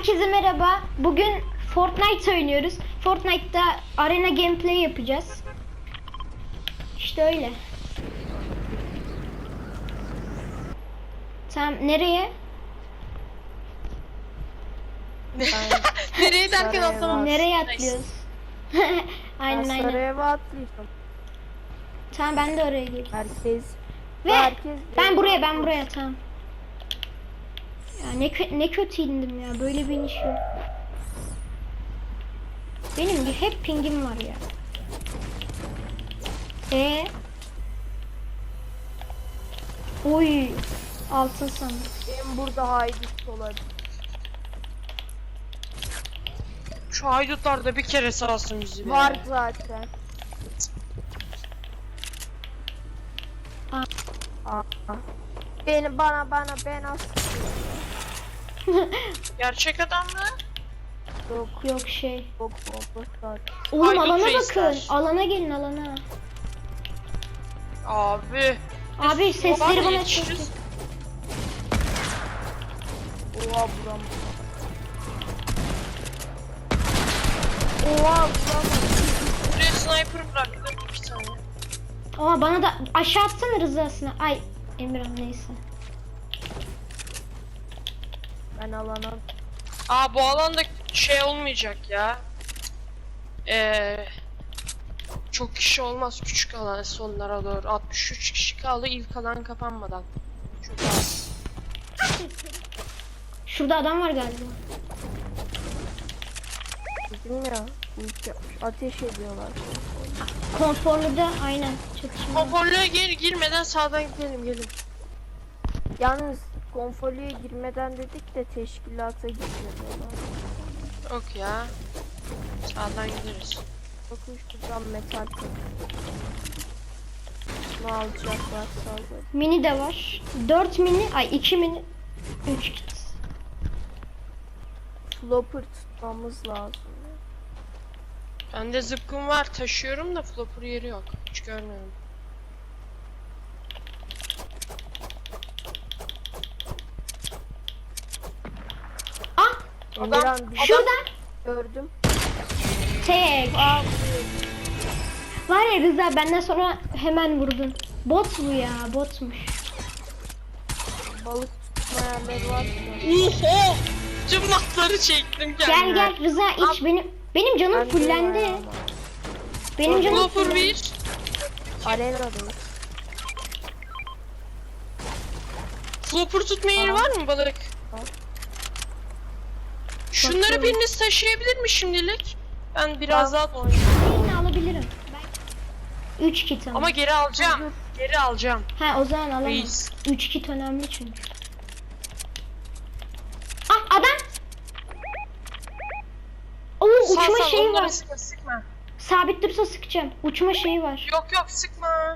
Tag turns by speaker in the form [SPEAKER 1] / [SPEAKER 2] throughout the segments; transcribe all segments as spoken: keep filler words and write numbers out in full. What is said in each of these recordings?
[SPEAKER 1] Herkese merhaba. Bugün Fortnite oynuyoruz. Fortnite'da arena gameplay yapacağız. İşte öyle. Tamam, nereye?
[SPEAKER 2] Nereye derken atlamadım.
[SPEAKER 1] Nereye atlıyoruz? Aynen
[SPEAKER 3] Ben
[SPEAKER 1] aynen.
[SPEAKER 3] Sarayeva atlayacağım.
[SPEAKER 1] Tamam, ben de oraya geleyim.
[SPEAKER 3] Herkes
[SPEAKER 1] Ve
[SPEAKER 3] herkes
[SPEAKER 1] ben buraya ben buraya tamam. Ya ne kö ne kötü indim ya. Böyle bir iniş yok. Benim bir hep pingim var ya. E Oy, altın sandık.
[SPEAKER 3] benim burada haydut olabilir.
[SPEAKER 2] Şu haydutlar da bir kere salsın bizi be.
[SPEAKER 3] Var zaten.
[SPEAKER 1] Aa.
[SPEAKER 3] Aa. Beni bana bana ben as.
[SPEAKER 2] Gerçek adam mı?
[SPEAKER 3] Yok
[SPEAKER 1] Yok şey.
[SPEAKER 3] yok yok zaten.
[SPEAKER 1] Oğlum
[SPEAKER 2] Haydut
[SPEAKER 1] alana
[SPEAKER 2] reisler.
[SPEAKER 1] bakın. Alana gelin alana.
[SPEAKER 2] Abi.
[SPEAKER 1] Abi
[SPEAKER 2] Biz
[SPEAKER 1] sesleri
[SPEAKER 2] babaanne
[SPEAKER 1] bana
[SPEAKER 2] yetişiriz.
[SPEAKER 1] çok.
[SPEAKER 3] Oha buram. Oha buram.
[SPEAKER 2] Buraya sniper bıraktım bir tane.
[SPEAKER 1] Ama bana da aşağı atsana rızasına. Ay Emirhan neyse.
[SPEAKER 3] Ben alana.
[SPEAKER 2] Aa, bu alanda şey olmayacak ya. Eee çok kişi olmaz küçük alan sonlara doğru. altmış üç kişi kaldı ilk alan kapanmadan. Çok az.
[SPEAKER 1] Şurada adam var galiba.
[SPEAKER 3] Dedim ya. Ulti yapmış. Ateş ediyorlar.
[SPEAKER 1] Konforlu da aynen çatışma.
[SPEAKER 2] Konforluya gir girmeden sağdan gidelim gelin.
[SPEAKER 3] Yalnız konfolüye girmeden dedik de teşkilata gitmiyorlar.
[SPEAKER 2] Yok ya. Sağdan gideriz.
[SPEAKER 3] Bakın şuradan metal kapı. Ne alacaklar sadece.
[SPEAKER 1] Mini de var. dört mini, ay iki mini, üç kit.
[SPEAKER 3] Flopper tutmamız lazım.
[SPEAKER 2] Bende zıpkın var taşıyorum da flopper yeri yok. Hiç görmedim.
[SPEAKER 1] Ah,
[SPEAKER 3] Emirhan bir
[SPEAKER 1] şurada.
[SPEAKER 3] gördüm.
[SPEAKER 1] Tek.
[SPEAKER 3] Aa,
[SPEAKER 1] Var ya Rıza, benden sonra hemen vurdun. Bot bu ya, botmuş.
[SPEAKER 3] balık tutma yerleri var.
[SPEAKER 2] Oho! Tüm matları çektim
[SPEAKER 1] Gel
[SPEAKER 2] kendime.
[SPEAKER 1] gel Rıza iç, benim benim canım fullendi. Benim canım
[SPEAKER 2] Flopper
[SPEAKER 1] fullendi.
[SPEAKER 2] bir.
[SPEAKER 3] Arena'da.
[SPEAKER 2] Flopper tutma yeri var mı balık?
[SPEAKER 3] Var.
[SPEAKER 2] Şunları
[SPEAKER 3] Bakıyorum.
[SPEAKER 2] biriniz taşıyabilir mi şimdilik? Ben biraz daha
[SPEAKER 1] Yine alabilirim. üç kit ama.
[SPEAKER 2] ama geri alacağım. Geri alacağım.
[SPEAKER 1] Ha, o zaman alamam.
[SPEAKER 2] Reis.
[SPEAKER 1] üç kit önemli çünkü. Ah, adam. Oo,
[SPEAKER 2] Sağ
[SPEAKER 1] uçma
[SPEAKER 2] sağ
[SPEAKER 1] şeyi
[SPEAKER 2] onları
[SPEAKER 1] var.
[SPEAKER 2] sıkma sıkma.
[SPEAKER 1] Sabit dursa sıkacağım. Uçma şeyi var.
[SPEAKER 2] Yok yok sıkma.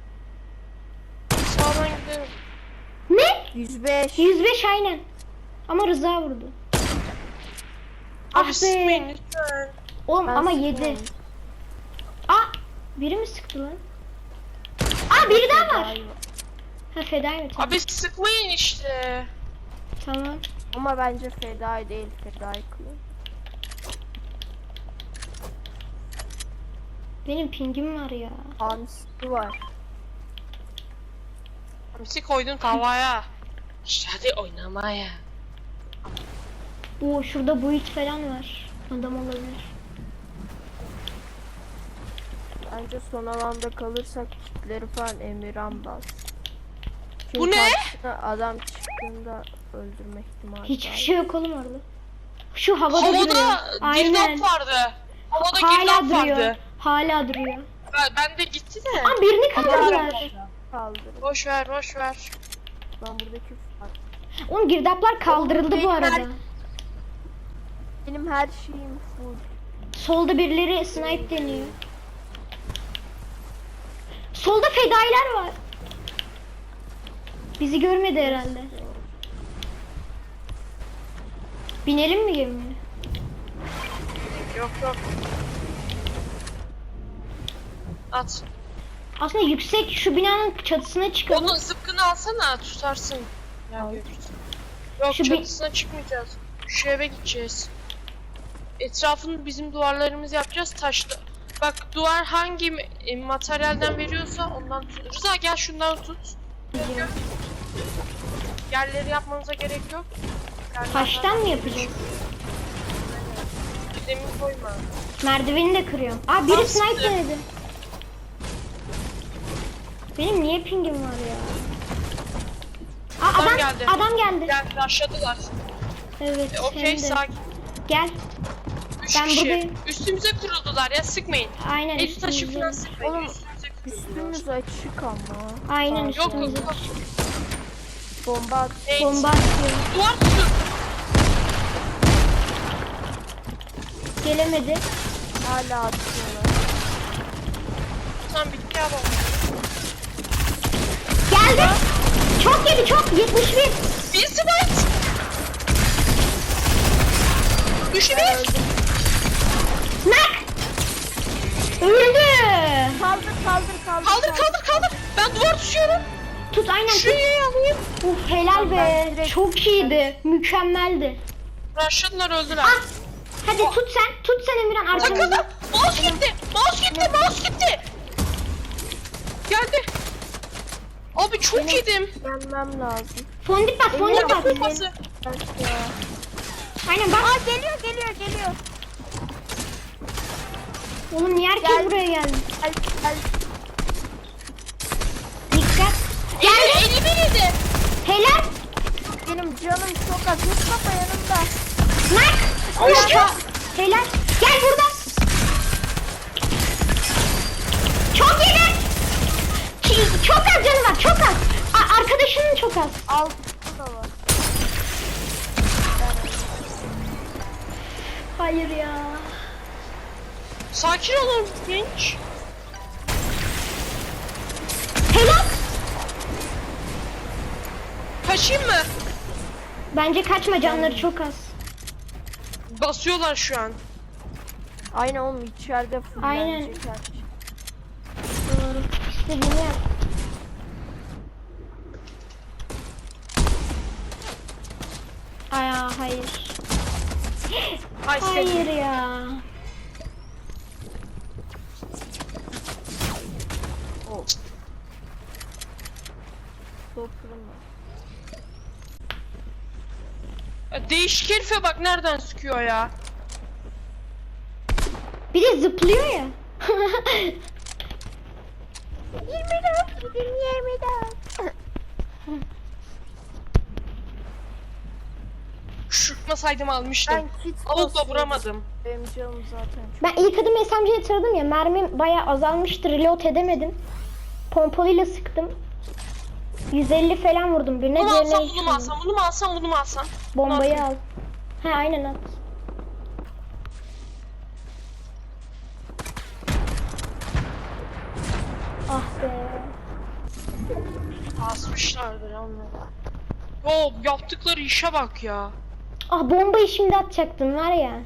[SPEAKER 2] Sağdan gidelim.
[SPEAKER 1] Ne?
[SPEAKER 3] yüz beş.
[SPEAKER 1] yüz beş aynen. Ama Rıza vurdu. Ah
[SPEAKER 2] Abi
[SPEAKER 1] be.
[SPEAKER 2] sıkmayın lütfen.
[SPEAKER 1] Oğlum
[SPEAKER 3] Ben
[SPEAKER 1] ama
[SPEAKER 3] sıkıyorum.
[SPEAKER 1] yedi. Aa, biri mi sıktı lan? Aa, biri daha var. Ha, fedai mi? Tamam.
[SPEAKER 2] Abi sıkmayın işte.
[SPEAKER 1] Tamam.
[SPEAKER 3] Ama bence fedai değil, fedai kılıyor.
[SPEAKER 1] Benim pingim var ya.
[SPEAKER 3] Hamsi var.
[SPEAKER 2] Hamsi koydun tavaya. İşte hadi oynamaya.
[SPEAKER 1] Oo, şurada buit falan var. Adam olabilir.
[SPEAKER 3] Bence son alanda kalırsak kitleri falan Emirhan bas. Çünkü
[SPEAKER 2] Bu ne?
[SPEAKER 3] karşısına adam çıktığında öldürme ihtimali
[SPEAKER 1] Hiçbir
[SPEAKER 3] var.
[SPEAKER 1] şey yok oğlum orada. Şu havada, duruyor.
[SPEAKER 2] Havada
[SPEAKER 1] Aynen.
[SPEAKER 2] girdap vardı. Havada
[SPEAKER 1] Hala
[SPEAKER 2] girdap
[SPEAKER 1] duruyor.
[SPEAKER 2] vardı.
[SPEAKER 1] Hala duruyor.
[SPEAKER 2] Ben, ben de gitti de.
[SPEAKER 1] Aa, birini kaldırdılar.
[SPEAKER 3] Kaldırın.
[SPEAKER 2] Boş ver boş ver.
[SPEAKER 3] Ben buradaki var.
[SPEAKER 1] Oğlum girdaplar kaldırıldı
[SPEAKER 3] Oğlum,
[SPEAKER 1] bu
[SPEAKER 3] benim
[SPEAKER 1] arada.
[SPEAKER 3] her- Benim her şeyim full.
[SPEAKER 1] Solda birileri snipe deniyor. Solda fedailer var. Bizi görmedi herhalde. Binelim mi gemiye?
[SPEAKER 2] Yok yok. At.
[SPEAKER 1] Aslında yüksek şu binanın çatısına çıkalım.
[SPEAKER 2] Onun zıpkını alsana tutarsın. Ya,
[SPEAKER 3] Al.
[SPEAKER 2] yok
[SPEAKER 1] Şu bir-
[SPEAKER 2] çatısına çıkmayacağız. Şu eve gideceğiz. Etrafını bizim duvarlarımızı yapacağız taşla. Bak duvar hangi e, materyalden veriyorsa ondan tut. Rıza gel şundan tut.
[SPEAKER 1] Gidiyorum.
[SPEAKER 2] Yerleri yapmanıza gerek yok. Yerlerden-
[SPEAKER 1] Taştan mı yapacağız?
[SPEAKER 2] Demir koyma.
[SPEAKER 1] Merdiveni de kırıyorum. Aa biri
[SPEAKER 2] Tamam,
[SPEAKER 1] sniper
[SPEAKER 2] sıktı.
[SPEAKER 1] denedi. Benim niye pingim var ya? Aa
[SPEAKER 2] Adam
[SPEAKER 1] adam
[SPEAKER 2] geldi.
[SPEAKER 1] adam geldi.
[SPEAKER 2] Gel başladılar.
[SPEAKER 1] Evet.
[SPEAKER 2] E, Okey
[SPEAKER 1] hem de.
[SPEAKER 2] sakin.
[SPEAKER 1] Gel.
[SPEAKER 2] Üç
[SPEAKER 1] Ben
[SPEAKER 2] kişi.
[SPEAKER 1] buradayım.
[SPEAKER 2] Üstümüze kuruldular ya sıkmayın.
[SPEAKER 1] Aynen
[SPEAKER 2] Elif taşı
[SPEAKER 1] üstümüze.
[SPEAKER 2] falan sıkmayın.
[SPEAKER 3] Oğlum,
[SPEAKER 2] Üstümüze kuruldular.
[SPEAKER 3] Üstümüz açık ama.
[SPEAKER 1] Aynen
[SPEAKER 3] Aa,
[SPEAKER 2] Yok
[SPEAKER 1] üstümüze.
[SPEAKER 2] yok.
[SPEAKER 3] Bomba at.
[SPEAKER 2] Hey,
[SPEAKER 1] Bomba atıyor.
[SPEAKER 2] Duvar tutun.
[SPEAKER 1] Gelemedi.
[SPEAKER 3] Hala atıyorlar.
[SPEAKER 2] Tamam bitti ya bomba.
[SPEAKER 1] Geldi. Çok yedi çok. yetmiş bir.
[SPEAKER 2] Bir smite. Düşü bir.
[SPEAKER 1] Nak. Öldü.
[SPEAKER 3] Kaldır kaldır kaldır.
[SPEAKER 2] Kaldır kaldır kaldır. Ben duvar tutuyorum.
[SPEAKER 1] Tut aynen tut.
[SPEAKER 2] Şuraya alayım.
[SPEAKER 1] Uf helal
[SPEAKER 3] Ben
[SPEAKER 1] be.
[SPEAKER 3] direkt-
[SPEAKER 1] Çok iyiydi. Mükemmeldi.
[SPEAKER 2] Rushladılar öldüler.
[SPEAKER 1] Ah. Hadi tut sen. Tut sen Emirhan arkamızda.
[SPEAKER 2] Takıldı. Mouse gitti. Mouse gitti. Mouse gitti. Geldi. Abi çok yedim.
[SPEAKER 3] Yenmem lazım.
[SPEAKER 1] Fondip bas fondip
[SPEAKER 3] Emirhan,
[SPEAKER 1] bas.
[SPEAKER 2] Kupası.
[SPEAKER 3] Bak ya.
[SPEAKER 1] Aynen bak.
[SPEAKER 3] Aa geliyor geliyor geliyor.
[SPEAKER 1] Oğlum niye herkes
[SPEAKER 3] Gel.
[SPEAKER 1] buraya geldi?
[SPEAKER 3] Gel gel.
[SPEAKER 1] Dikkat.
[SPEAKER 2] Geldi. elimi yedi.
[SPEAKER 1] Helal.
[SPEAKER 3] Benim canım çok az. Mustafa yanımda.
[SPEAKER 1] Nak. Helal. Helal. Gel buradan. Çok yedi. Ç- Çok az canı var çok az. A- arkadaşının çok az.
[SPEAKER 3] Altı da var.
[SPEAKER 1] Hayır ya.
[SPEAKER 2] Sakin olun genç.
[SPEAKER 1] Helal.
[SPEAKER 2] Kaçayım mı?
[SPEAKER 1] Bence kaçma canları çok az.
[SPEAKER 2] Basıyorlar şu an.
[SPEAKER 3] Aynen oğlum içeride
[SPEAKER 1] Aynen.
[SPEAKER 3] fullenecek her şey.
[SPEAKER 1] Doğru. İstediğini yap. Ay ya, hayır.
[SPEAKER 2] Ay seni.
[SPEAKER 1] Hayır ya.
[SPEAKER 3] Oh. Toplam var.
[SPEAKER 2] Ya değişik herife bak nereden sıkıyor ya.
[SPEAKER 1] Bir de zıplıyor ya.
[SPEAKER 3] yirmi dört gidin yirmi dört.
[SPEAKER 2] Şutmasaydım almıştım.
[SPEAKER 3] Ben kit
[SPEAKER 2] Avukla
[SPEAKER 3] basıyorum.
[SPEAKER 2] vuramadım.
[SPEAKER 3] Benim canım zaten çok.
[SPEAKER 1] Ben ilk adım S M G'ye taradım ya, mermim bayağı azalmıştı, reload edemedim. Pompalıyla sıktım. yüz elli falan vurdum birine,
[SPEAKER 2] Bunu mu
[SPEAKER 1] diğerine
[SPEAKER 2] alsam,
[SPEAKER 1] hiç
[SPEAKER 2] bunu mu
[SPEAKER 1] vurmadım.
[SPEAKER 2] alsam, bunu mu alsam, bunu mu alsam?
[SPEAKER 1] Bombayı
[SPEAKER 2] Bunu
[SPEAKER 1] al. He aynen at. Ah be.
[SPEAKER 2] Asmışlardır anladım. Yo yaptıkları işe bak ya.
[SPEAKER 1] Ah bombayı şimdi atacaktım var ya.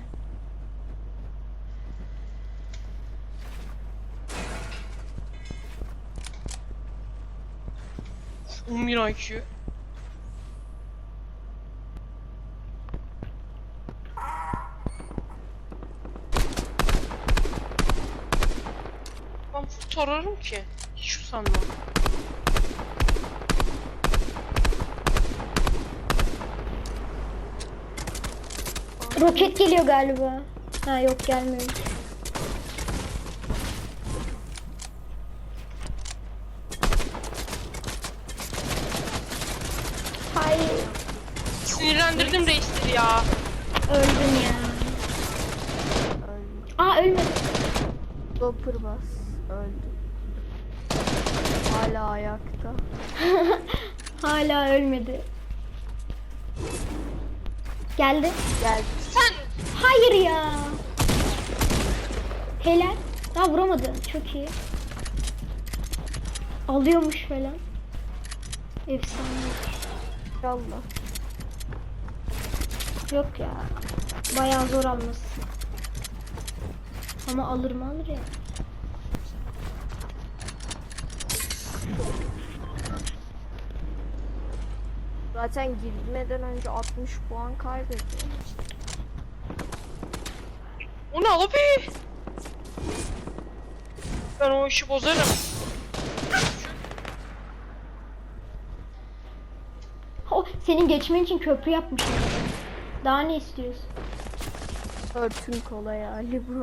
[SPEAKER 2] on bir I Q. Ben kurtarırım ki. Hiç usanmam.
[SPEAKER 1] Roket geliyor galiba. Ha yok gelmiyor. Hayır.
[SPEAKER 2] Sinirlendirdim reisleri ya.
[SPEAKER 1] Öldüm ya.
[SPEAKER 3] Öldü.
[SPEAKER 1] Aa ölmedim.
[SPEAKER 3] Dopper bas. Öldü. Hala ayakta.
[SPEAKER 1] Hala ölmedi. Geldi.
[SPEAKER 3] Geldi.
[SPEAKER 2] Sen
[SPEAKER 1] Hayır ya. Helal. Daha vuramadı. Çok iyi. Alıyormuş falan. Efsane.
[SPEAKER 3] Yallah.
[SPEAKER 1] Yok ya. Bayağı zor alması. Ama alır mı alır ya.
[SPEAKER 3] Zaten girmeden önce altmış puan kaybetti.
[SPEAKER 2] O ne abi? Ben o işi bozarım.
[SPEAKER 1] O senin geçmen için köprü yapmışım. Daha ne istiyorsun?
[SPEAKER 3] Örtün kolay hali bu.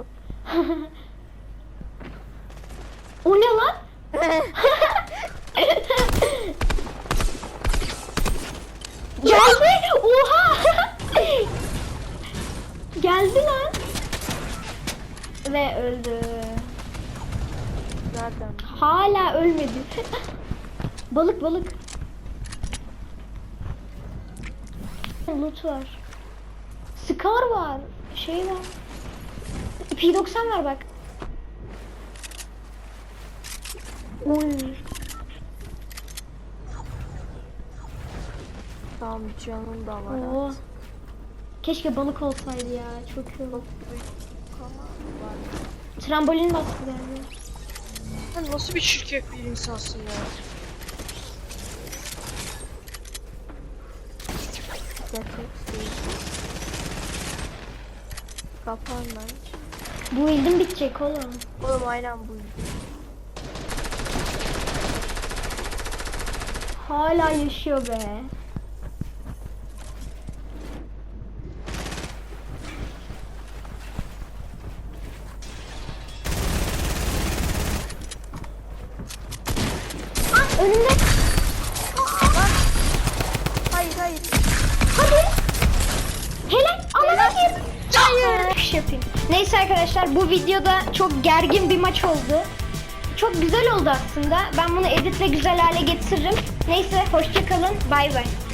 [SPEAKER 1] O ne lan? Geldi. Oha. Geldi lan. Ve öldü.
[SPEAKER 3] Nereden?
[SPEAKER 1] Hala ölmedi. Balık balık. Loot var. Scar var. Şey var. P doksan var bak. Oy.
[SPEAKER 3] Tamam canım da var.
[SPEAKER 1] Oo. Keşke balık olsaydı ya. Çok iyi olur. Trambolin bastı yani.
[SPEAKER 2] Sen nasıl bir çirkef bir insansın ya?
[SPEAKER 3] Kapan lan.
[SPEAKER 1] Bu ildim bitecek oğlum.
[SPEAKER 3] Oğlum aynen bu.
[SPEAKER 1] Hala yaşıyor be. Ah, önümde.
[SPEAKER 3] Hayır hayır.
[SPEAKER 1] Hadi. Helal. Ama hayır. Hayır. Şey yapayım. Neyse arkadaşlar, bu videoda çok gergin bir maç oldu. Çok güzel oldu aslında. Ben bunu editle güzel hale getiririm. Neyse, hoşça kalın. Bay bay.